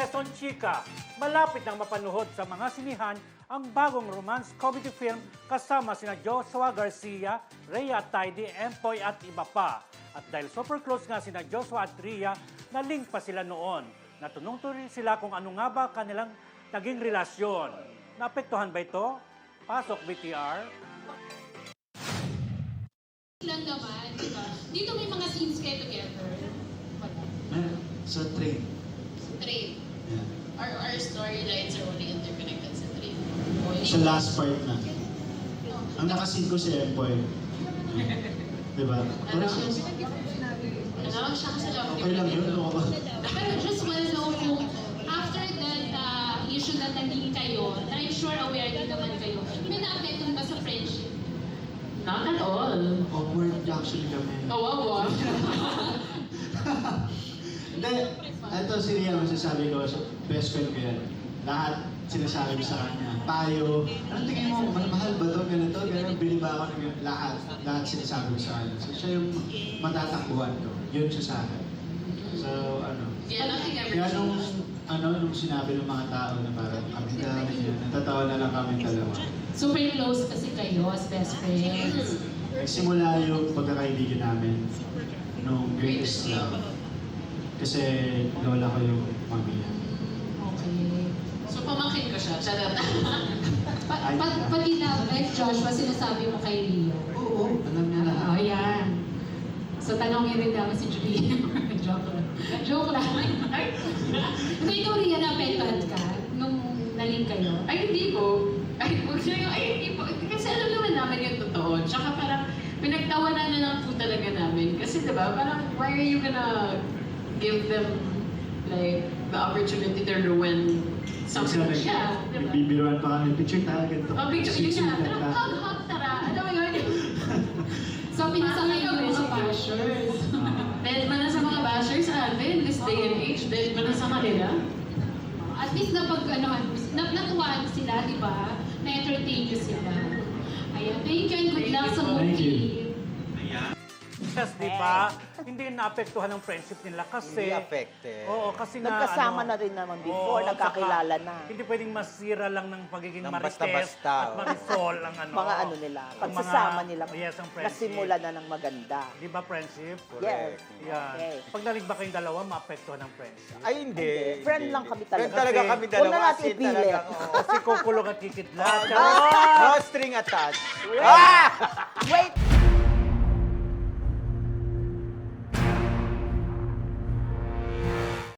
Quezon Chika, malapit nang mapanuhod sa mga sinihan ang bagong romance comedy film kasama sina Joshua Garcia, Rhea Tidy, Empoy at iba pa. At dahil super close nga sina Joshua at Rhea, na-link pa sila noon. Natunong rin sila kung ano nga ba kanilang naging relasyon. Naapektuhan ba ito? Pasok BTR. Lang naman, di ba? Dito may mga scenes kayo together. Sa train. Train. Yeah. Our storylines are only interconnected sa train. Sa last part na. Ang nakasin ko si Empoy. Diba? Ano? Siya kasi lang. Okay lang yun. Pero just wanna know kung after that issue na naging kayo, na I'm sure aware din naman kayo, may na-apekton ba sa friendship? Not at all. Awkward actually kami. Kawawa. Hindi. Ito si Ria, masasabi ko sa best friend ko yan. Lahat sinasabi ko sa kanya. Payo. Anong tingin mo? Mahal ba to? Ganito? Ganito? Bili ba ako ng ganito? Lahat sinasabi ko sa kanya. So siya yung matatakbuhan ko. Yun siya sa akin. So, ano. Yeah, nothing ever Kaya changed. nung sinabi ng mga tao na parang kami dami yan, natatawa na lang kami dalawa. Super close kasi kayo as best friends. Nagsimula yung pagkakaibigan namin nung Greatest Love. Kasi lola ko yung mami niya. Okay. So pamangkin ko siya. Charot. Ay, Pati na, like Joshua, sinasabi mo kay Leo. Oo, alam niya lahat. Oh, yan. So tanongin rin namin si Julie. Joke lang. Joke lang. So ikaw rin na-apektuhan ka nung naling kayo? Ay, hindi po. Ay, huwag siya yung, ay, hindi po. Kasi alam naman namin yung totoo. Tsaka parang pinagtawanan na lang po talaga namin. Kasi diba, parang why are you gonna give them like the opportunity to ruin something? Yeah, diba? Nagbibiruan pa kami. Picture tayo ganito. Oh, picture yun na. Pero Sweet-sweet hug, tara. Ano mo yun? So pinasakay yung mga bashers. Dahil ba na sa mga bashers natin, this day and age, dahil ba na sa kanila? At least natuwaan sila, di ba? Na-entertain nyo sila. Ayan, thank you and good luck sa Thank you. movie. Yes, di ba? Hindi naapektuhan ng friendship nila kasi... Hindi affected. Oo, kasi nga... Nagkasama na rin naman before, oo, nagkakilala saka na. Hindi pwedeng masira lang ng pagiging Ng marites basta-basta, at oo. marisol ang ano. Mga ano nila, ang pagsasama mga- nila, Yes, ang friendship. nasimula na ng maganda. Di ba, friendship? Yes. Yan. Okay. Pag nalig ba kayong dalawa, maapektuhan ng friendship? Ay, hindi. Friend hindi. lang kami Friend talaga. talaga Kasi- kami Huwag dalawa. na natin As in, ipilit. talagang, oo. Kasi kukulong at kikitlat. No string attached. Ah! Wait!